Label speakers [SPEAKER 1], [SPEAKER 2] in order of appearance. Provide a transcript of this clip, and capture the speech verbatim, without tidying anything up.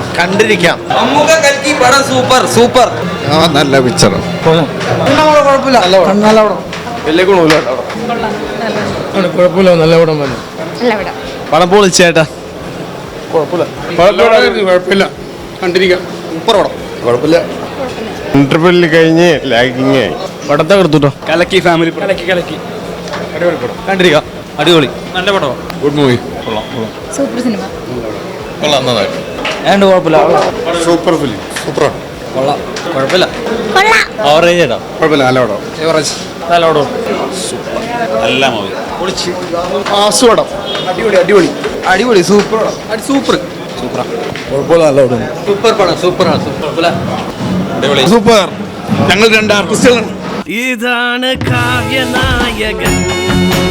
[SPEAKER 1] കണ്ടിരിക്കാം.
[SPEAKER 2] മമ്മൂക്ക കൽക്കി പടം സൂപ്പർ സൂപ്പർ.
[SPEAKER 1] നല്ല പിക്ചർ.
[SPEAKER 3] കുഴപ്പമില്ല, നല്ല പടം.
[SPEAKER 1] വലിയ ഗുണമില്ല.
[SPEAKER 3] കുഴപ്പമില്ല, നല്ല പടം തന്നെ.
[SPEAKER 1] പടം പൊളിച്ചേട്ടാ.
[SPEAKER 3] കുഴപ്പമില്ല, കണ്ടിരിക്കാം.
[SPEAKER 1] സൂപ്പർ പടം.
[SPEAKER 3] കുഴപ്പമില്ല.
[SPEAKER 4] ഇന്റർവെല്ലിൽ കഴിഞ്ഞ് ലാഗിങ് ആയി.
[SPEAKER 1] പടത്തെ എടുത്തുട്ടോ.
[SPEAKER 2] കലക്കി ഫാമിലി
[SPEAKER 3] കലക്കി കലക്കി അടിപൊളി പടം.
[SPEAKER 1] കണ്ടിരിക്കാം. അടിപൊളി.
[SPEAKER 2] നല്ല പടം.
[SPEAKER 1] Good movie.
[SPEAKER 5] Super cinema.
[SPEAKER 1] കൊള്ളാം, നന്നായിട്ട്.
[SPEAKER 2] ഏണ്ട് കുഴപ്പമില്ല.
[SPEAKER 1] Super film. സൂപ്പറാണ്.
[SPEAKER 2] കൊള്ളാം. കുഴപ്പമില്ല.
[SPEAKER 1] ഓവറേജ് ഏട്ടാ.
[SPEAKER 3] കുഴപ്പമില്ല, നല്ല പടം.
[SPEAKER 2] നല്ല പടം.
[SPEAKER 1] നല്ല മൂവി.
[SPEAKER 2] പൊളിച്ച്.
[SPEAKER 3] ആസു പടം. അടിപൊളി അടിപൊളി
[SPEAKER 2] അടിപൊളി സൂപ്പർ സൂപ്പർ
[SPEAKER 1] സൂപ്പറാ.
[SPEAKER 3] കുഴപ്പമില്ല, നല്ല പടം.
[SPEAKER 2] സൂപ്പർ പടം സൂപ്പറാണ്. സൂപ്പർ
[SPEAKER 1] അടിപൊളി.
[SPEAKER 3] സൂപ്പർ. ഞങ്ങൾ രണ്ട് ആർട്ടിസ്റ്റുകളാണ്.
[SPEAKER 6] ഇതാണ് കാവ്യനായകൻ.